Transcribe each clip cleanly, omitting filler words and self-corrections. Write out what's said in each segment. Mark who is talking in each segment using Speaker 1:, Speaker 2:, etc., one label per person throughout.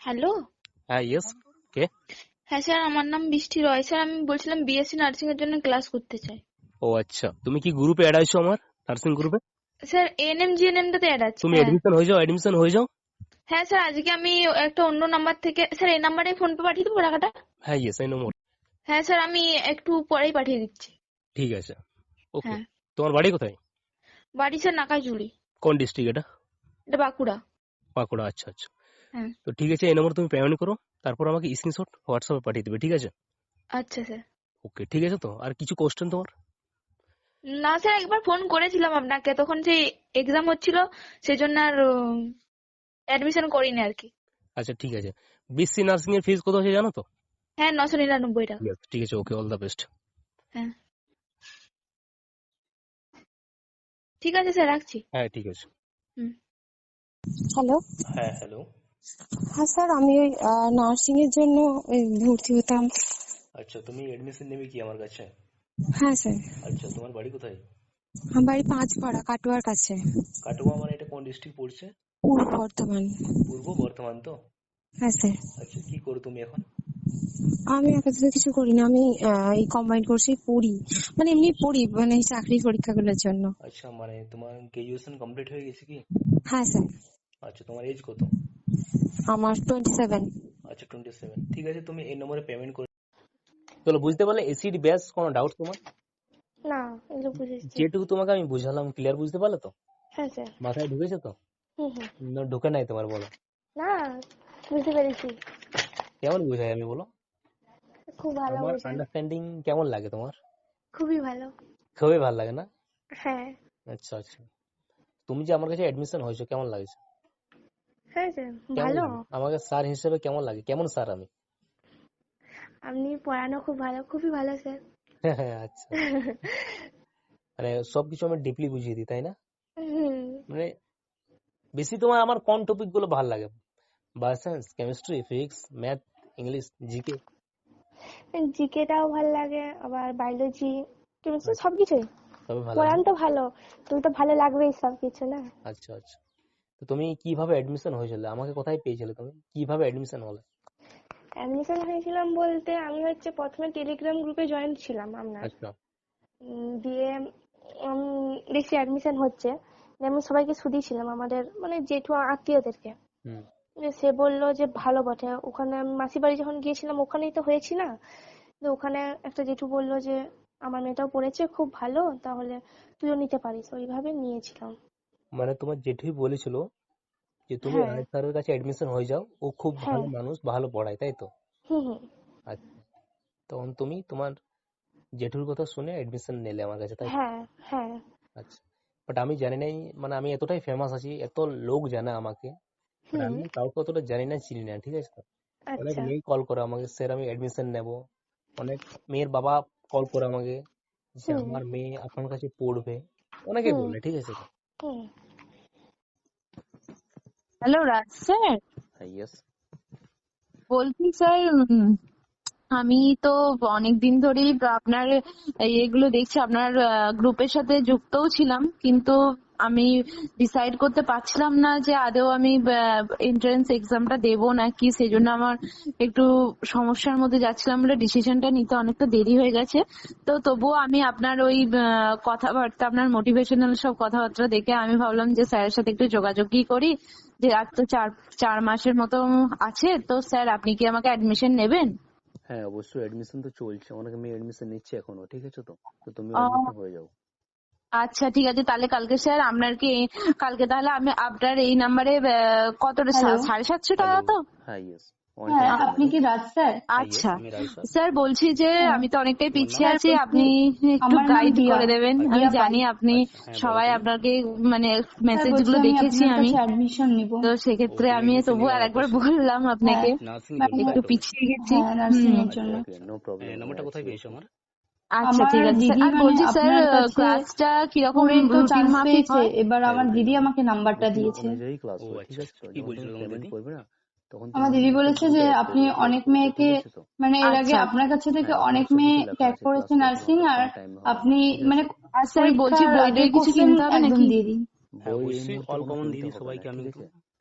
Speaker 1: Hello.
Speaker 2: হ্যাঁ, yes, কে?
Speaker 1: হ্যাঁ sir, আমার নাম বৃষ্টি রয়। স্যার আমি বলছিলাম বিএসসি নার্সিং এর জন্য ক্লাস করতে চাই।
Speaker 2: ও আচ্ছা, তুমি কি গ্রুপে অ্যাড আছো আমার নার্সিং গ্রুপে?
Speaker 1: স্যার এএনএম জিএনএম টাতে অ্যাড আছে।
Speaker 2: তুমি
Speaker 1: হ্যাঁ
Speaker 2: এডমিশন হয়ে যাও।
Speaker 1: হ্যাঁ স্যার, আজকে আমি একটা অন্য নাম্বার থেকে, স্যার এই নাম্বারে ফোন পে পাঠিয়ে দেবো টাকাটা?
Speaker 2: হ্যাঁ, ইয়েস, আই নো মোর।
Speaker 1: হ্যাঁ স্যার, আমি একটু পরেই পাঠিয়ে দিচ্ছি।
Speaker 2: ঠিক আছে, ওকে।
Speaker 1: হ্যাঁ।
Speaker 2: তোমার বাড়ি কোথায়?
Speaker 1: বাড়ি স্যার নাকাইজুলি।
Speaker 2: কোন ডিস্ট্রিক্ট এটা?
Speaker 1: এটা বাঁকুড়া।
Speaker 2: বাঁকুড়া, আচ্ছা আচ্ছা।
Speaker 1: হ্যাঁ।
Speaker 2: তো ঠিক আছে, এই নম্বর তুমি পেমেন্ট করো, তারপর আমাকে স্ক্রিনশট হোয়াটসঅ্যাপে পাঠিয়ে দেবে, ঠিক আছে?
Speaker 1: আচ্ছা স্যার।
Speaker 2: ওকে, ঠিক আছে। তো আর কিছু কোশ্চেন তোমার?
Speaker 1: না স্যার, একবার ফোন করেছিলাম আপনাকে, তখন সেই এক্সাম হচ্ছিল, সেজন্য আর অ্যাডমিশন করিনি আর কি।
Speaker 2: আচ্ছা ঠিক আছে। বিএসসি নার্সিং এর ফিস কত আছে জানো তো?
Speaker 1: হ্যাঁ, 999 টাকা।
Speaker 2: Yes, ঠিক আছে, ওকে, অল দ্য বেস্ট।
Speaker 1: হ্যাঁ ঠিক আছে স্যার, রাখছি।
Speaker 2: হ্যাঁ ঠিক আছে।
Speaker 1: হুম।
Speaker 3: হ্যালো।
Speaker 2: হ্যাঁ, হ্যালো।
Speaker 3: হ্যাঁ স্যার, আমি ওই নার্সিং এর জন্য ভর্তি হতাম।
Speaker 2: আচ্ছা, তুমি এডমিশন নেবে কি আমার কাছে?
Speaker 3: হ্যাঁ স্যার,
Speaker 2: আচ্ছা, তোমার বাড়ি কোথায়?
Speaker 3: আমার বাড়ি পাঁচপাড়া, কাটোয়ার কাছে,
Speaker 2: কাটোয়া মানে এটা কোন ডিস্ট্রিক্ট পড়ছে?
Speaker 3: পূর্ব বর্ধমান।
Speaker 2: পূর্ব বর্ধমান তো?
Speaker 3: হ্যাঁ স্যার,
Speaker 2: আচ্ছা, কি করো তুমি এখন?
Speaker 3: আমি আপাতত কিছু করি না, আমি এই কম্বাইন কোর্সেই পড়ি, মানে এমনি পড়ি, মানে চাকরির পরীক্ষাগুলোর জন্য।
Speaker 2: আচ্ছা, মানে তোমার গ্রাজুয়েশন কমপ্লিট হয়ে গেছে কি?
Speaker 3: হ্যাঁ স্যার।
Speaker 2: আচ্ছা, তোমার এজ কত?
Speaker 3: আমার 27।
Speaker 2: আচ্ছা, 27। ঠিক আছে, তুমি এই নম্বরে পেমেন্ট করে চলো। বুঝতে পারলে এসিড ব্যাস? কোনো ডাউট তোমার?
Speaker 1: না, এগুলো বুঝেছি।
Speaker 2: যেটুকু তোমাকে আমি বুঝালাম ক্লিয়ার বুঝতে পারলে তো?
Speaker 1: হ্যাঁ স্যার।
Speaker 2: মাথায় ঢুকেছে তো?
Speaker 1: হুম হুম।
Speaker 2: না ঢুকে নাই তোমার, বলো।
Speaker 1: না, বুঝতে পেরেছি।
Speaker 2: কেমন বুঝাই আমি, বলো?
Speaker 1: খুব ভালো
Speaker 2: আমার
Speaker 1: বোঝান।
Speaker 2: আন্ডারস্ট্যান্ডিং কেমন লাগে তোমার?
Speaker 1: খুবই ভালো।
Speaker 2: খুবই ভালো লাগে না?
Speaker 1: হ্যাঁ।
Speaker 2: আচ্ছা আচ্ছা। তুমি যে আমার কাছে অ্যাডমিশন হয়েছো, কেমন লাগছে?
Speaker 1: হ্যাঁ স্যার,
Speaker 2: কেমন
Speaker 1: ভালো।
Speaker 2: লাগে আমাকে স্যার হিসেবে? কেমন লাগে? কেমন স্যার আমি?
Speaker 1: আপনি পড়ানো খুব ভালো, খুবই ভালো স্যার।
Speaker 2: হ্যাঁ, আচ্ছা। মানে সবকিছু আমি ডিপলি বুঝিয়ে দিই, তাই না?
Speaker 1: হুম।
Speaker 2: মানে বেশি তোমার আমার কোন টপিক গুলো ভালো লাগে? Bioscience, chemistry, physics, math, English, GK?
Speaker 1: জিকেটাও ভালো লাগে, আবার বায়োলজি, কেমিস্ট্রি,
Speaker 2: আচ্ছা,
Speaker 1: সবকিছুই।
Speaker 2: তবে ভালো লাগে
Speaker 1: পড়ান
Speaker 2: না?
Speaker 1: তো ভালো, তুমি তো ভালো লাগবেই সবকিছু না।
Speaker 2: আচ্ছা আচ্ছা। তো তুমি কিভাবে অ্যাডমিশন হয়েছিল? আমাকে কোথায় পেয়েছিলে তুমি? কিভাবে অ্যাডমিশন হলে?
Speaker 1: অ্যাডমিশন হয়েছিলাম বলতে, আমি হচ্ছে প্রথমে টেলিগ্রাম গ্রুপে জয়েন ছিলাম আপনার।
Speaker 2: আচ্ছা।
Speaker 1: দিয়ে দেখছি অ্যাডমিশন হচ্ছে, দিয়ে আমি সবাইকে শুধিয়েছিলাম, আমাদের মানে জেঠু আত্মীয়দেরকে।
Speaker 2: হুম।
Speaker 1: সে বললো যে ভালো বটে, ওখানে আমি মাসির বাড়ি যখন গিয়েছিলাম ওখানেই তো হয়েছি না। তো ওখানে একটা জেঠু বললো যে আমার মেয়েটাও পড়েছে, খুব ভালো, তাহলে তুইও নিতে পারিস, ওইভাবে নিয়েছিলাম।
Speaker 2: মানে তোমার জেঠুই বলেছিল যে তুমি
Speaker 1: হ্যাঁ
Speaker 2: আয়েশ স্যারের কাছে অ্যাডমিশন হয়ে যাও, ও খুব
Speaker 1: হ্যাঁ।
Speaker 2: ভালো মানুষ, ভালো পড়ায়, তাই তো?
Speaker 1: হুম হুম।
Speaker 2: আচ্ছা, তখন তুমি তোমার জেঠুর কথা শুনে অ্যাডমিশন নিলে আমার কাছে, তাই তো?
Speaker 1: হ্যাঁ হ্যাঁ।
Speaker 2: আচ্ছা। বাট আমি জানি নাই, মানে আমি এতটাই ফেমাস আছি, এত লোক জানে আমাকে, বাট
Speaker 1: হুম।
Speaker 2: আমি কাউকে অতটা জানি না, চিনি না, ঠিক আছে তো? অনেক
Speaker 1: আচ্ছা।
Speaker 2: মেয়ে কল করে আমাকে, স্যার আমি অ্যাডমিশন নেব। অনেক মেয়ের বাবা কল করে আমাকে যে
Speaker 1: হুম
Speaker 2: আমার মেয়ে আপনার কাছে পড়বে, অনেকে
Speaker 1: হুম
Speaker 2: বলে, ঠিক আছে তো?
Speaker 1: হুম।
Speaker 4: হ্যালো রাজ স্যার,
Speaker 2: হ্যাঁ, ইয়েস।
Speaker 4: বলছি স্যার, আমি তো অনেকদিন ধরেই আপনার এগুলো দেখছি, আপনার গ্রুপের সাথে যুক্তও ছিলাম, কিন্তু আমি ডিসাইড করতে পারছিলাম না যে আদৌ আমি এন্ট্রান্স এক্সামটা দেবো নাকি, সেজন্য আমার একটু সমস্যার মধ্যে যাচ্ছিলাম বলে ডিসিশনটা নিতে অনেকটা দেরি হয়ে গেছে। তো তবুও আমি আপনার ওই কথাবার্তা, আপনার মোটিভেশনাল সব কথাবার্তা দেখে আমি ভাবলাম যে স্যারের সাথে একটু যোগাযোগই করি, যে আর তো চার মাসের মতো আছে, তো স্যার আপনি কি আমাকে অ্যাডমিশন নেবেন?
Speaker 2: হ্যাঁ, অবশ্যই অ্যাডমিশন তো চলছে, অনেক মেয়ে অ্যাডমিশন নিচ্ছে এখনো, ঠিক আছে তো? তো তুমিও
Speaker 4: ও
Speaker 2: অ্যাডমিশন হয়ে যাও।
Speaker 4: আচ্ছা ঠিক আছে, তাহলে কালকে স্যার আপনার কি, কালকে তাহলে আমি আপনার এই নাম্বারে কতটা,
Speaker 5: হ্যালো।
Speaker 4: 750 টাকা
Speaker 2: হ্যালো।
Speaker 4: তো?
Speaker 2: হ্যাঁ, ইয়েস।
Speaker 5: হ্যাঁ,
Speaker 2: ওয়ান
Speaker 5: আপনি কি রাজ স্যার?
Speaker 2: হ্যাঁ, ইয়েস,
Speaker 4: আচ্ছা
Speaker 2: আমি রাই স্যার।
Speaker 4: স্যার, বলছি যে
Speaker 5: হ্যাঁ
Speaker 4: আমি তো অনেকটাই
Speaker 2: তোমার নাম?
Speaker 4: পিছিয়ে
Speaker 5: স্যার,
Speaker 4: আছি,
Speaker 5: বলছি
Speaker 4: আপনি একটু
Speaker 5: আমার নাম
Speaker 4: গাইড
Speaker 5: দিয়া,
Speaker 4: করে দেবেন।
Speaker 2: আচ্ছা
Speaker 4: আমি
Speaker 5: দিয়া পাল।
Speaker 4: জানি আপনি
Speaker 2: আচ্ছা, হ্যাঁ, বলো
Speaker 4: সবাই
Speaker 2: তুমি।
Speaker 4: আপনাকে মানে
Speaker 5: স্যার
Speaker 4: মেসেজ
Speaker 5: বলছি
Speaker 4: গুলো
Speaker 5: আমি
Speaker 4: দেখেছি
Speaker 5: আপনার
Speaker 4: আমি,
Speaker 5: কাছে অ্যাডমিশন নিব।
Speaker 4: তো
Speaker 2: ও,
Speaker 4: সেক্ষেত্রে
Speaker 2: তুমি
Speaker 4: আমি
Speaker 2: অ্যাডমিশন
Speaker 4: তবু
Speaker 2: নিবে
Speaker 4: আর
Speaker 2: আমার
Speaker 4: একবার
Speaker 2: কাছে?
Speaker 4: বললাম
Speaker 5: হ্যাঁ
Speaker 4: আপনাকে,
Speaker 2: নার্সিং নিবে
Speaker 5: মানে
Speaker 2: তাই তো?
Speaker 4: একটু পিছিয়ে গেছি।
Speaker 5: হ্যাঁ, নার্সিং
Speaker 4: হুম।
Speaker 5: এর
Speaker 2: আচ্ছা,
Speaker 5: জন্য।
Speaker 2: Okay, no problem. নাম্বারটা কোথায় পেয়েছো আমার?
Speaker 4: আচ্ছা
Speaker 5: আমার
Speaker 4: ঠিক আছে স্যার,
Speaker 5: দিদি
Speaker 4: আর
Speaker 5: মানে
Speaker 4: বলছি স্যার
Speaker 5: আপনার কাছে
Speaker 4: ক্লাসটা কিরকম
Speaker 5: স্কুলে তো
Speaker 4: রুটিন
Speaker 5: চান্স
Speaker 4: মাফিক
Speaker 5: পেয়েছে,
Speaker 4: হয়?
Speaker 5: এবার
Speaker 2: হ্যাঁ,
Speaker 5: আমার
Speaker 2: রুটিন
Speaker 5: দিদি আমাকে নাম্বারটা
Speaker 2: রুটিন
Speaker 5: দিয়েছে।
Speaker 2: অনুযায়ী ক্লাস ও হয়, ঠিক আচ্ছা, আছে তো?
Speaker 5: আচ্ছা।
Speaker 2: কি যখন বলছিল তুমি তোমার পেমেন্ট দিদি? করবে না, তখন তুমি
Speaker 5: আমার দিদি
Speaker 2: আমাকে
Speaker 5: বলেছে যে
Speaker 2: গ্রুপে অ্যাড
Speaker 5: আপনি
Speaker 2: করবে,
Speaker 5: অনেক
Speaker 2: গ্রুপে,
Speaker 5: মেয়েকে,
Speaker 2: ঠিক আছে তো?
Speaker 5: মানে এর আগে
Speaker 4: আচ্ছা
Speaker 5: আপনার কাছে থেকে
Speaker 2: হ্যাঁ, ওখানে
Speaker 5: অনেক মেয়ে
Speaker 2: সবকিছু লেখা
Speaker 5: ক্র্যাক
Speaker 2: আছে, ক্লাস
Speaker 5: করেছে
Speaker 2: কখন
Speaker 5: নার্সিং,
Speaker 2: হবে,
Speaker 5: আর
Speaker 2: কোন টাইমে হবে,
Speaker 5: আপনি
Speaker 2: ঠিক
Speaker 5: মানে
Speaker 2: আছে?
Speaker 4: আর স্যার বলছি
Speaker 5: পরীক্ষার
Speaker 4: বই
Speaker 5: আগে
Speaker 4: টই কিছু
Speaker 5: কোশ্চেন
Speaker 4: কিনতে হবে
Speaker 5: একদম
Speaker 4: নাকি?
Speaker 5: দিয়ে দিন।
Speaker 2: হ্যাঁ,
Speaker 6: বই
Speaker 2: অবশ্যই
Speaker 6: এই মুহূর্তে
Speaker 2: অল
Speaker 6: কোনো
Speaker 2: কমন
Speaker 6: কিনতে
Speaker 2: দিদি
Speaker 6: হবে না,
Speaker 2: সবাইকে আমি
Speaker 6: ঠিক
Speaker 2: তো,
Speaker 6: আছে?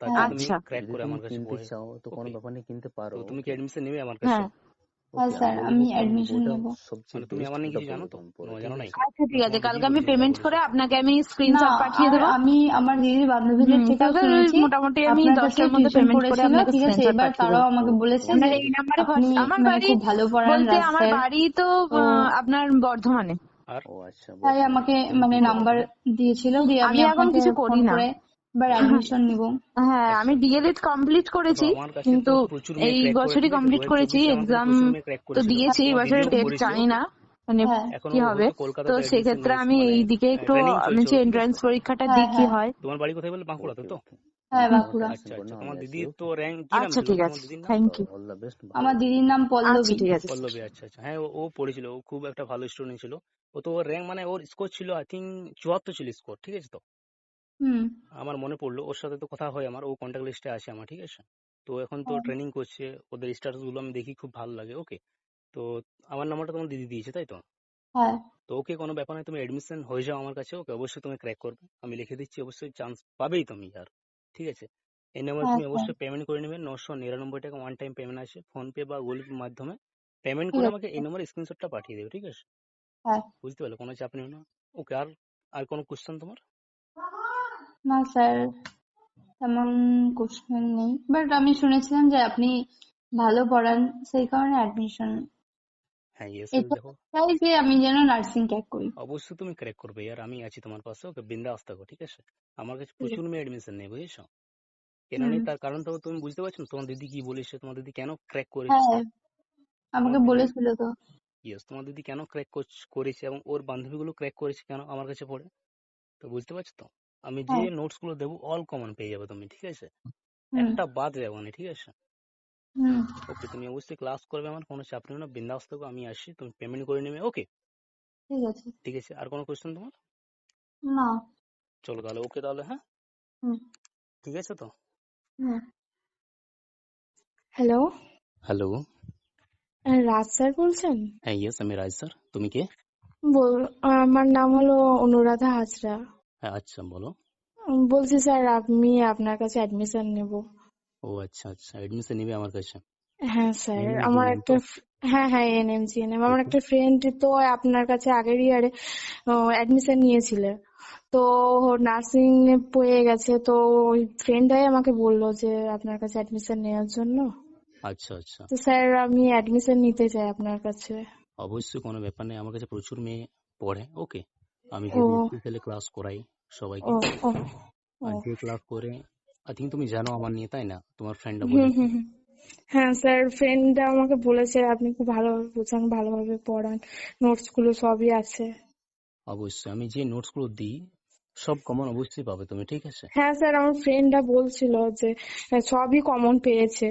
Speaker 2: তার জন্য তুমি
Speaker 4: আচ্ছা
Speaker 2: ক্র্যাক
Speaker 5: যদি
Speaker 2: করে
Speaker 5: তুমি
Speaker 2: আমার কাছে
Speaker 5: কিনতে
Speaker 2: পড়ে।
Speaker 5: চাও তো কোনো
Speaker 2: ওকে,
Speaker 5: ব্যাপার নেই, কিনতে
Speaker 2: তো
Speaker 5: পারো।
Speaker 2: তুমি কি
Speaker 5: ওকে
Speaker 2: অ্যাডমিশন নেবে আমার কাছে?
Speaker 4: হ্যাঁ
Speaker 5: ওকে
Speaker 4: আচ্ছা
Speaker 5: আমি
Speaker 1: আমি
Speaker 5: বলবো কারণ
Speaker 1: অ্যাডমিশন
Speaker 5: ওটা
Speaker 1: নেব।
Speaker 5: সবচেয়ে
Speaker 2: মানে তুমি
Speaker 5: বেস্ট,
Speaker 2: আমার নিয়ে
Speaker 5: ওটা
Speaker 2: কিছু জানো
Speaker 5: পড়ো
Speaker 2: তো?
Speaker 5: দাম পড়ো,
Speaker 2: না,
Speaker 5: ঠিক
Speaker 2: জানো নাই?
Speaker 5: আছে?
Speaker 4: আচ্ছা ঠিক
Speaker 2: না,
Speaker 4: আছে,
Speaker 2: তোমার দিদি
Speaker 4: কালকে আমি
Speaker 2: বলেছে, যা
Speaker 4: পেমেন্ট
Speaker 2: বলেছে।
Speaker 4: করে আপনাকে আমি
Speaker 1: না,
Speaker 4: স্ক্রিনশট পাঠিয়ে
Speaker 1: আর
Speaker 4: দেবো।
Speaker 1: আমি আমার দিদির বান্ধবীদের থেকেও
Speaker 4: কালকে
Speaker 1: শুনেছি
Speaker 4: মোটামুটি আমি
Speaker 1: আপনার কাছে
Speaker 4: 10টার মধ্যে
Speaker 1: টিউশন
Speaker 4: পেমেন্ট করে
Speaker 1: করেছিল,
Speaker 4: আপনাকে
Speaker 1: ঠিক আছে,
Speaker 4: স্ক্রিনশট
Speaker 1: এবার
Speaker 4: পাঠিয়ে
Speaker 1: তারাও
Speaker 4: দেবো।
Speaker 1: আমাকে
Speaker 5: ওকে
Speaker 1: বলেছে
Speaker 4: আপনার
Speaker 1: যে
Speaker 4: এই নাম্বারে
Speaker 1: আপনি
Speaker 4: আমার
Speaker 1: মানে
Speaker 4: বাড়ি
Speaker 1: খুব ভালো পড়ান
Speaker 4: বলতে আমার
Speaker 1: রাস্তায়,
Speaker 4: বাড়ি তো
Speaker 1: তো
Speaker 4: আপনার বর্ধমানে।
Speaker 2: আর
Speaker 5: ও আচ্ছা,
Speaker 1: তাই
Speaker 5: বর্ধমানে।
Speaker 1: আমাকে
Speaker 5: তুমি
Speaker 1: মানে
Speaker 5: কি করো
Speaker 1: নাম্বার
Speaker 5: এখন?
Speaker 1: দিয়েছিল, দিয়ে আমি
Speaker 4: আমি এখন
Speaker 1: আপনাকে
Speaker 4: কিছু
Speaker 1: ফোন
Speaker 4: করি না।
Speaker 1: করে এবার অ্যাডমিশন নিব।
Speaker 4: হ্যাঁ আমি
Speaker 2: আচ্ছা,
Speaker 4: ডিএলএড কমপ্লিট
Speaker 2: দেখো
Speaker 4: করেছি,
Speaker 2: আমার কাছে
Speaker 4: কিন্তু
Speaker 2: তো প্রচুর মেয়ে
Speaker 4: এই
Speaker 2: ক্র্যাক করে,
Speaker 4: বছরই
Speaker 2: ঠিক আছে?
Speaker 4: কমপ্লিট করেছি।
Speaker 2: 2024 আমার কাছে
Speaker 4: এক্সাম
Speaker 2: প্রচুর মেয়ে ক্র্যাক
Speaker 4: তো
Speaker 2: করেছিল,
Speaker 4: দিয়েছি, এই
Speaker 2: তোমার
Speaker 4: বছরের
Speaker 2: দিদিও
Speaker 4: টেস্ট
Speaker 2: করেছে।
Speaker 4: জানি
Speaker 2: ওকে,
Speaker 4: না মানে
Speaker 1: হ্যাঁ
Speaker 2: এখনো
Speaker 4: কি হবে।
Speaker 2: হয়তো
Speaker 4: তো
Speaker 2: কলকাতাতে অ্যাডমিশন
Speaker 4: সেক্ষেত্রে
Speaker 2: নিয়েছে,
Speaker 4: আমি
Speaker 2: মানে
Speaker 4: এইদিকে একটু
Speaker 2: ট্রেনিং
Speaker 4: আমি
Speaker 2: চলছে
Speaker 4: যে
Speaker 2: ওর, ঠিক
Speaker 4: এন্ট্রান্স
Speaker 2: আছে?
Speaker 4: পরীক্ষাটা
Speaker 1: হ্যাঁ
Speaker 4: দিই কি
Speaker 1: হ্যাঁ,
Speaker 4: হয়।
Speaker 2: তোমার বাড়ি কোথায় বলে? বাঁকুড়াতে
Speaker 5: ওকে
Speaker 2: তো?
Speaker 5: ওকে
Speaker 1: হ্যাঁ
Speaker 5: তুমি যখন
Speaker 1: বাঁকুড়া।
Speaker 5: টেনশন
Speaker 2: আচ্ছা
Speaker 5: করো
Speaker 2: আচ্ছা,
Speaker 5: না,
Speaker 2: তোমার
Speaker 5: আমি আছি।
Speaker 2: দিদির তো
Speaker 5: ওকে
Speaker 2: র্যাঙ্ক কি নাম
Speaker 4: আচ্ছা
Speaker 2: ছিল
Speaker 4: ঠিক
Speaker 2: তোমার
Speaker 4: আছে,
Speaker 2: দিদির নাম?
Speaker 4: Thank you.
Speaker 5: All the best, ভালো
Speaker 1: আমার
Speaker 5: করো।
Speaker 1: দিদির নাম
Speaker 4: আচ্ছা
Speaker 1: পল্লবী।
Speaker 4: ঠিক আছে।
Speaker 2: পল্লবী, আচ্ছা আচ্ছা, হ্যাঁ ও পড়েছিল, ও খুব একটা ভালো স্টুডেন্ট ছিল। ও তো ওর র্যাঙ্ক মানে ওর স্কোর ছিল আই থিঙ্ক 74 ছিল স্কোর, ঠিক আছে? তো
Speaker 1: হুম।
Speaker 2: আমার মনে পড়লো, ওর সাথে তো কথা হয় আমার, ও কন্ট্যাক্ট লিস্টে আছে আমার, ঠিক আছে? তো এখন তো
Speaker 1: হ্যাঁ
Speaker 2: ট্রেনিং করছে, ওদের স্ট্যাটাস গুলো আমি দেখি, খুব ভালো লাগে। ওকে, তো আমার নাম্বারটা তোমার দিদি দিয়েছে তাই তো?
Speaker 1: হ্যাঁ
Speaker 2: তো ওকে, কোনো ব্যাপার নয়, তুমি এডমিশন হয়ে যাও আমার কাছে। ওকে, অবশ্যই তুমি ক্র্যাক করবে, আমি লিখে দিচ্ছি, অবশ্যই চান্স পাবেই তুমি আর, ঠিক আছে? এই নাম্বারে
Speaker 1: হ্যাঁ
Speaker 2: তুমি
Speaker 1: স্যার,
Speaker 2: অবশ্যই পেমেন্ট করে নেবে, 999 টাকা ওয়ান টাইম পেমেন্ট আছে, ফোন পে বা গুগল পের মাধ্যমে পেমেন্ট
Speaker 1: ঠিক
Speaker 2: করে
Speaker 1: আছে
Speaker 2: আমাকে এই নম্বরে স্ক্রিনশটটা পাঠিয়ে দেবে, ঠিক আছে?
Speaker 1: হ্যাঁ।
Speaker 2: বুঝতে পারলে, কোনো চাপ নেই না। ওকে, আর আর কোনো কোশ্চেন তোমার?
Speaker 1: না স্যার, তেমন কোশ্চেন নেই, বাট আমি শুনেছিলাম যে আপনি ভালো পড়ান, সেই কারণে অ্যাডমিশন।
Speaker 2: হ্যাঁ, ইয়েস,
Speaker 1: এটা
Speaker 2: দেখো
Speaker 1: চাই যে আমি যেন নার্সিং ক্র্যাক করি।
Speaker 2: অবশ্যই তুমি ক্র্যাক করবে আর আমি আছি তোমার পাশে। ওকে, বিন্দাস থাকো, ঠিক আছে? আমার কাছে
Speaker 1: ঠিক
Speaker 2: প্রচুর
Speaker 1: আছে।
Speaker 2: মেয়ে এডমিশন নেই, বুঝেছো? কেন
Speaker 1: হুম।
Speaker 2: নেই তার কারণটা তুমি বুঝতে পারছো না? তোমার দিদি কি বলেছে, তোমার দিদি কেন ক্র্যাক করেছে?
Speaker 1: হ্যাঁ,
Speaker 2: তোমার
Speaker 1: আমাকে
Speaker 2: দিদি,
Speaker 1: বলেছিল তো।
Speaker 2: ইয়েস, তোমার দিদি কেন ক্র্যাক করেছে এবং ওর বান্ধবীগুলো ক্র্যাক করেছে কেন আমার কাছে পড়ে, তো বুঝতে পারছো তো? আমি যে
Speaker 1: হ্যাঁ।
Speaker 2: নোটস গুলো দেবো অল কমন পেয়ে যাবে তুমি, ঠিক আছে?
Speaker 1: হুম
Speaker 2: একটা বাদ যাবো না, ঠিক আছে?
Speaker 1: হুম।
Speaker 2: ওকে, তুমি অবশ্যই ক্লাস করবে, আমার কোনো চাপ নেই না, বিন্দাস থাকো, আমি আসি, তুমি পেমেন্ট করে নেবে। ওকে,
Speaker 1: ঠিক আছে।
Speaker 2: ঠিক আছে, আর কোনো কোয়েশ্চেন তোমার?
Speaker 1: না।
Speaker 2: চলো তাহলে, ওকে তাহলে, হ্যাঁ
Speaker 1: হুম
Speaker 2: ঠিক আছে তো।
Speaker 1: হুম। হ্যালো,
Speaker 2: হ্যালো,
Speaker 1: রাজ স্যার বলছেন?
Speaker 2: হ্যাঁ ইয়েস, আমি রাজ স্যার, তুমি কে?
Speaker 1: আমার নাম হলো অনুরাধা হাজরা।
Speaker 2: হ্যাঁ আচ্ছা, বলো।
Speaker 1: বলছি স্যার, আমি আপনার কাছে অ্যাডমিশন নেব।
Speaker 2: ও আচ্ছা আচ্ছা, এডমিশন নিবে আমার কাছে?
Speaker 1: হ্যাঁ স্যার, আমার
Speaker 2: এনএমজিএনএম
Speaker 1: একটা
Speaker 2: তো?
Speaker 1: হ্যাঁ হ্যাঁ এনএমজিএনএম, আমার
Speaker 2: ওকে,
Speaker 1: একটা ফ্রেন্ড তো আপনার কাছে আগের ইয়ারে অ্যাডমিশন নিয়েছিল, তো নার্সিং পেয়ে গেছে, তো ওই ফ্রেন্ডটাই আমাকে বললো যে আপনার কাছে অ্যাডমিশন নেওয়ার জন্য।
Speaker 2: আচ্ছা আচ্ছা,
Speaker 1: তো স্যার আমি অ্যাডমিশন নিতে চাই আপনার কাছে।
Speaker 2: অবশ্যই, কোনো ব্যাপার নেই, আমার কাছে প্রচুর মেয়ে পড়ে। ওকে, আমি
Speaker 1: ও
Speaker 2: যেহেতু স্পেশালি ক্লাস করাই সবাইকে,
Speaker 1: ও ও ও।
Speaker 2: আর যে ক্লাস করে আই থিঙ্ক তুমি জানো আমার নিয়ে, তাই না? তোমার ফ্রেন্ডরা
Speaker 1: হুম
Speaker 2: বলেছে।
Speaker 1: হুম হুম। হ্যাঁ স্যার, ফ্রেন্ডটা আমাকে বলেছে আপনি খুব ভালোভাবে বোঝান, ভালোভাবে পড়ান, নোটস গুলো সবই আছে।
Speaker 2: অবশ্যই, আমি যে নোটস গুলো দিই সব কমন অবশ্যই পাবে তুমি, ঠিক আছে?
Speaker 1: হ্যাঁ স্যার, আমার ফ্রেন্ডটা বলছিল যে সবই কমন পেয়েছে।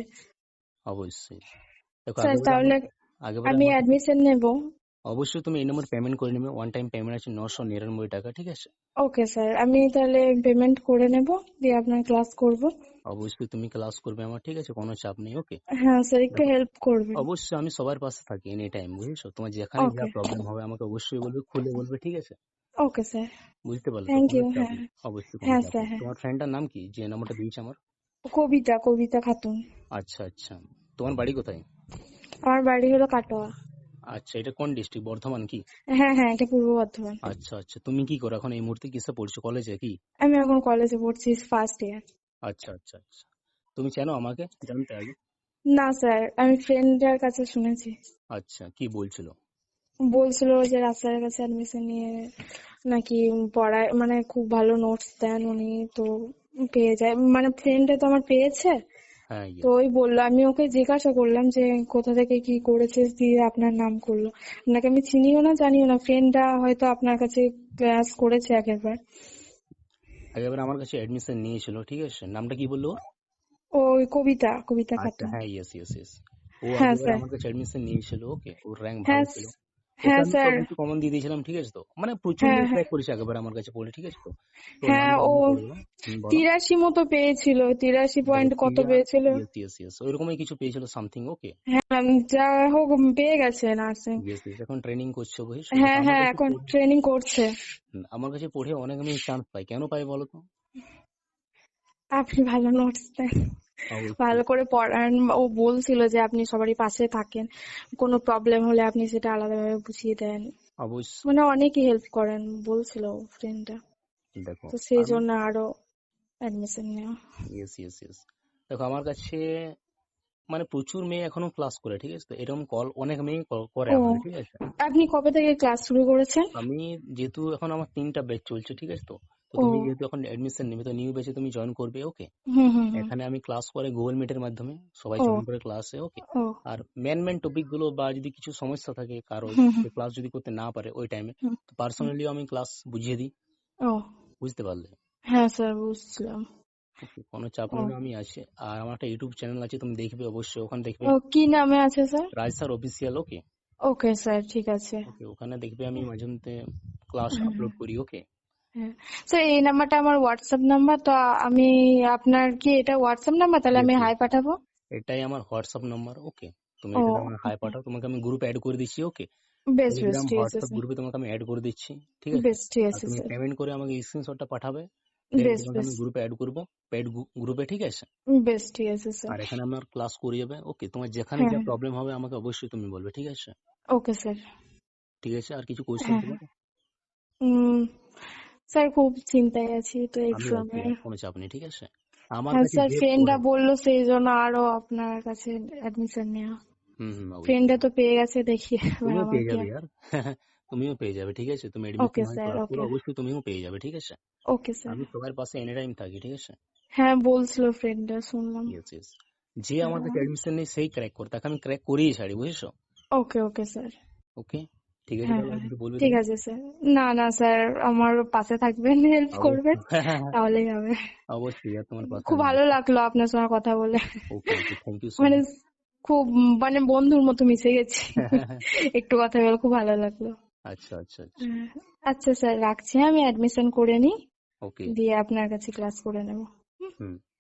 Speaker 2: অবশ্যই, দেখো
Speaker 1: স্যার তাহলে
Speaker 2: আগেবারে
Speaker 1: আমি
Speaker 2: আমার কাছে
Speaker 1: অ্যাডমিশন নেব।
Speaker 2: অবশ্যই তুমি এই নম্বর পেমেন্ট করে নেবে, ওয়ান টাইম পেমেন্ট আছে 999 টাকা, ঠিক আছে?
Speaker 1: ওকে স্যার, আমি তাহলে পেমেন্ট করে নেব, দিয়ে আপনার ক্লাস করব।
Speaker 2: অবশ্যই তুমি ক্লাস করবে আমার, ঠিক আছে? কোনো চাপ নেই। ওকে,
Speaker 1: হ্যাঁ স্যার, একটু
Speaker 2: দেখো
Speaker 1: হেল্প করবেন।
Speaker 2: অবশ্যই আমি সবার পাশে থাকি এনি টাইম, বুঝেছো? তোমার যেখানে যা
Speaker 1: ওকে
Speaker 2: প্রবলেম হবে আমাকে অবশ্যই বলবে, খুলে বলবে, ঠিক আছে?
Speaker 1: ওকে স্যার,
Speaker 2: বুঝতে পারলে তো?
Speaker 1: থ্যাংক
Speaker 2: কোনো
Speaker 1: ইউ।
Speaker 2: চাপ
Speaker 1: হ্যাঁ
Speaker 2: নেই, অবশ্যই কোনো
Speaker 1: হ্যাঁ
Speaker 2: চাপ
Speaker 1: স্যার,
Speaker 2: নেই।
Speaker 1: হ্যাঁ।
Speaker 2: তোমার ফ্রেন্ডটার নাম কি যে নাম্বারটা দিয়েছে আমার?
Speaker 1: কবিতা, কবিতা খাতুন।
Speaker 2: আচ্ছা আচ্ছা, তোমার বাড়ি কোথায়?
Speaker 1: আমার বাড়ি হলো কাটোয়া।
Speaker 2: আচ্ছা, এটা কোন ডিস্ট্রিক্ট, বর্ধমান কি?
Speaker 1: হ্যাঁ হ্যাঁ, এটা পূর্ব বর্ধমান।
Speaker 2: আচ্ছা আচ্ছা, তুমি কি করো এখন এই মুহূর্তে, কিসে পড়ছো, কলেজে কি?
Speaker 1: আমি এখন কলেজে পড়ছি, ফার্স্ট ইয়ার।
Speaker 2: আচ্ছা আচ্ছা আচ্ছা, তুমি চেনো আমাকে, জানতে আগে?
Speaker 1: না স্যার, আমি ফ্রেন্ডের কাছে শুনেছি।
Speaker 2: আচ্ছা, কি বলছিল?
Speaker 1: বলছিল যে রাস্তার কাছে অ্যাডমিশন নিয়ে নাকি পড়ায়, মানে খুব ভালো নোটস দেন উনি, তো পেয়ে যায়, মানে ফ্রেন্ডে তো আমার পেয়েছে।
Speaker 2: হ্যাঁ
Speaker 1: তো
Speaker 2: ইয়েস,
Speaker 1: ওই বললো, আমি ওকে জিজ্ঞাসা করলাম যে কোথা থেকে কি করেছিস, দিয়ে আপনার নাম করলো। আপনাকে আমি চিনিও না জানিও না, ফ্রেন্ডটা হয়তো আপনার কাছে ক্লাস করেছে আগেরবার।
Speaker 2: আগেবার আমার কাছে এডমিশন নিয়েছিল, ঠিক আছে? নামটা কি বললো ওর?
Speaker 1: ওই কবিতা, কবিতা
Speaker 2: আচ্ছা,
Speaker 1: খাতুন।
Speaker 2: হ্যাঁ ইয়েস ইয়েস ইয়েস, ও
Speaker 1: হ্যাঁ
Speaker 2: আগেবার
Speaker 1: স্যার।
Speaker 2: আমার কাছে এডমিশন নিয়েছিল। ওকে, ওর র্যাঙ্ক ভালো
Speaker 1: হ্যাঁ
Speaker 2: ছিল, ওকে
Speaker 1: হ্যাঁ
Speaker 2: আমি
Speaker 1: স্যার।
Speaker 2: সবকিছু কমন দিয়ে দিয়েছিলাম, ঠিক আছে? তো মানে প্রচুর
Speaker 1: হ্যাঁ
Speaker 2: মেয়ে
Speaker 1: হ্যাঁ
Speaker 2: ক্র্যাক করেছে আগেবার আমার কাছে পড়ে, ঠিক আছে? তো তো
Speaker 1: হ্যাঁ,
Speaker 2: নামটা
Speaker 1: ও
Speaker 2: আমি বলবো, বলো।
Speaker 1: 83 মতো পেয়েছিল, 83
Speaker 2: দেখো
Speaker 1: পয়েন্ট কত
Speaker 2: টিয়া,
Speaker 1: পেয়েছিল।
Speaker 2: ইয়েস ইয়েস ইয়েস, ওইরকমই কিছু পেয়েছিল সামথিং। ওকে,
Speaker 1: হ্যাঁ, যা হোক পেয়ে গেছে নার্সিং।
Speaker 2: ইয়েস ইয়েস, এখন ট্রেনিং করছে, বুঝেছো? দেখো
Speaker 1: হ্যাঁ
Speaker 2: আমার
Speaker 1: হ্যাঁ,
Speaker 2: কাছে
Speaker 1: এখন ট্রেনিং করছে।
Speaker 2: আমার কাছে পড়ে অনেক আমি চান্স পাই, কেন পাই বলো তো?
Speaker 3: আপনি ভালো নোটস দেন,
Speaker 2: অবশ্যই
Speaker 3: ভালো করে পড়ান। ও বলছিল যে আপনি সবারই পাশে থাকেন, কোনো প্রবলেম হলে আপনি সেটা আলাদাভাবে বুঝিয়ে দেন,
Speaker 2: অবশ্যই।
Speaker 3: মানে অনেকই হেল্প করেন বলছিল ফ্রেন্ডটা।
Speaker 2: দেখো
Speaker 3: তো সেই
Speaker 2: আমি
Speaker 3: জন্য আরো অ্যাডমিশন নেওয়া।
Speaker 2: ইয়েস ইয়েস ইয়েস, দেখো আমার কাছে মানে প্রচুর মেয়ে এখনো ক্লাস করে, ঠিক আছে, তো এরকম কল অনেক মেয়ে করে
Speaker 3: ও,
Speaker 2: আমাকে, ঠিক আছে।
Speaker 3: আপনি কবে থেকে ক্লাস শুরু করেছেন?
Speaker 2: আমি যেহেতু এখন আমার 3টা ব্যাচ চলছে, ঠিক আছে, তো তো
Speaker 3: ও,
Speaker 2: তুমি যেহেতু এখন এডমিশন নেবে, তো নিউ ব্যাচে তুমি জয়েন করবে, ওকে।
Speaker 3: হুম হুম হুম।
Speaker 2: এখানে আমি ক্লাস করে গুগল মিটের মাধ্যমে সবাই
Speaker 3: ও
Speaker 2: জয়েন করে ক্লাসে, ওকে।
Speaker 3: ও,
Speaker 2: আর মেন টপিক গুলো বা যদি কিছু সমস্যা থাকে কারো,
Speaker 3: হুম হুম
Speaker 2: যে ক্লাস যদি করতে না পারে ওই টাইমে,
Speaker 3: হুম
Speaker 2: তো
Speaker 3: হুম।
Speaker 2: পার্সোনালিও আমি ক্লাস বুঝিয়ে দিই,
Speaker 3: ও,
Speaker 2: বুঝতে পারলে।
Speaker 3: হ্যাঁ স্যার বুঝছিলাম।
Speaker 2: ওকে, কোনো চাপ
Speaker 3: ও
Speaker 2: নেই, আমি আছি। আর আমার একটা ইউটিউব চ্যানেল আছে, তুমি দেখবে অবশ্যই, ওখানে দেখবে
Speaker 3: ও, কি নামে আছে sir?
Speaker 2: Raj sir official, okay.
Speaker 3: Okay sir, ঠিক আছে।
Speaker 2: ওকে, ওখানে দেখবে আমি মাঝে মধ্যে ক্লাস
Speaker 3: হুম হুম,
Speaker 2: আপলোড করি, ওকে।
Speaker 3: হ্যাঁ স্যার, এই নাম্বারটা আমার হোয়াটসঅ্যাপ নাম্বার, তো আমি আপনার কি এটা হোয়াটসঅ্যাপ নাম্বার? তাহলে
Speaker 2: ইয়েস
Speaker 3: আমি
Speaker 2: ইয়েস,
Speaker 3: হাই পাঠাবো।
Speaker 2: এটাই আমার হোয়াটসঅ্যাপ নাম্বার, ওকে। তুমি
Speaker 3: ও,
Speaker 2: এটাতে আমার হাই
Speaker 3: ওকে,
Speaker 2: পাঠাও, তোমাকে আমি গ্রুপে অ্যাড করে দিচ্ছি, ওকে।
Speaker 3: বেশ বেশ
Speaker 2: টেলিগ্রাম
Speaker 3: ঠিক আছে
Speaker 2: হোয়াটসঅ্যাপ
Speaker 3: স্যার।
Speaker 2: গ্রুপে তোমাকে আমি অ্যাড করে দিচ্ছি, ঠিক আছে।
Speaker 3: বেশ ঠিক
Speaker 2: আর
Speaker 3: আছে
Speaker 2: তুমি
Speaker 3: স্যার।
Speaker 2: পেমেন্ট করে আমাকে স্ক্রিনশটটা পাঠাবে, দেন
Speaker 3: বেশ
Speaker 2: তোমাকে
Speaker 3: বেশ
Speaker 2: আমি গ্রুপে অ্যাড করবো, পেড গ্রুপে, ঠিক আছে।
Speaker 3: বেশ ঠিক আছে স্যার।
Speaker 2: আর এখানে আমার ক্লাস করে যাবে, ওকে। তোমার যেখানে
Speaker 3: হ্যাঁ
Speaker 2: যা
Speaker 3: হ্যাঁ,
Speaker 2: প্রবলেম হবে আমাকে অবশ্যই তুমি বলবে, ঠিক আছে।
Speaker 3: Okay sir.
Speaker 2: ঠিক আছে, আর কিছু কোয়েশ্চেন
Speaker 3: হ্যাঁ হ্যাঁ,
Speaker 2: তোমার?
Speaker 3: উম, স্যার খুব চিন্তায় আছি তো
Speaker 2: আমি আছি,
Speaker 3: এক্সামের।
Speaker 2: আর কোনো চাপ নেই, ঠিক আছে। আমার
Speaker 3: হ্যাঁ
Speaker 2: কাছে
Speaker 3: স্যার,
Speaker 2: যে
Speaker 3: ফ্রেন্ডরা
Speaker 2: পড়ে,
Speaker 3: বললো সেই জন্য আরো আপনার কাছে অ্যাডমিশন নেওয়া। ফ্রেন্ডরা
Speaker 2: অবশ্যই
Speaker 3: তো পেয়ে গেছে, দেখি এবার
Speaker 2: তুমিও
Speaker 3: আমার
Speaker 2: পেয়ে
Speaker 3: কি
Speaker 2: যাবে
Speaker 3: হয়।
Speaker 2: ইয়ার। তুমিও পেয়ে যাবে, ঠিক আছে, তুমি এডমিশন
Speaker 3: ওকে
Speaker 2: হয়
Speaker 3: স্যার,
Speaker 2: ক্লাস করো,
Speaker 3: ওকে
Speaker 2: অবশ্যই তুমিও পেয়ে যাবে, ঠিক আছে।
Speaker 3: Okay sir.
Speaker 2: আমি সবার পাশে এনি টাইম থাকি, ঠিক আছে।
Speaker 3: হ্যাঁ বলছিল ফ্রেন্ডরা, শুনলাম।
Speaker 2: ইয়েস ইয়েস, যে আমার
Speaker 3: হ্যাঁ,
Speaker 2: কাছে এডমিশন নেই সেই ক্র্যাক করে, তাকে আমি ক্র্যাক করেই ছাড়ি, বুঝেছো।
Speaker 3: ওকে ওকে স্যার।
Speaker 2: ওকে, ঠিক আছে,
Speaker 3: হ্যাঁ
Speaker 2: তাহলে আর
Speaker 3: হ্যাঁ,
Speaker 2: কিছু বলবে
Speaker 3: ঠিক
Speaker 2: তুমি?
Speaker 3: আছে স্যার। না না স্যার, আমার পাশে থাকবেন, হেল্প করবেন,
Speaker 2: অবশ্যই।
Speaker 3: তাহলেই হবে।
Speaker 2: অবশ্যই আর তোমার পাশে
Speaker 3: খুব
Speaker 2: আমি
Speaker 3: ভালো
Speaker 2: আছি।
Speaker 3: লাগলো আপনার সঙ্গে কথা বলে,
Speaker 2: okay okay, thank you so
Speaker 3: মানে
Speaker 2: মাচ।
Speaker 3: খুব, মানে বন্ধুর মতো মিশে গেছি। একটু কথা বলে খুব ভালো লাগলো।
Speaker 2: আচ্ছা আচ্ছা আচ্ছা,
Speaker 3: হ্যাঁ, আচ্ছা স্যার রাখছি, আমি অ্যাডমিশন করে নিই,
Speaker 2: ওকে।
Speaker 3: দিয়ে আপনার কাছে ক্লাস করে নেব।
Speaker 2: হুম।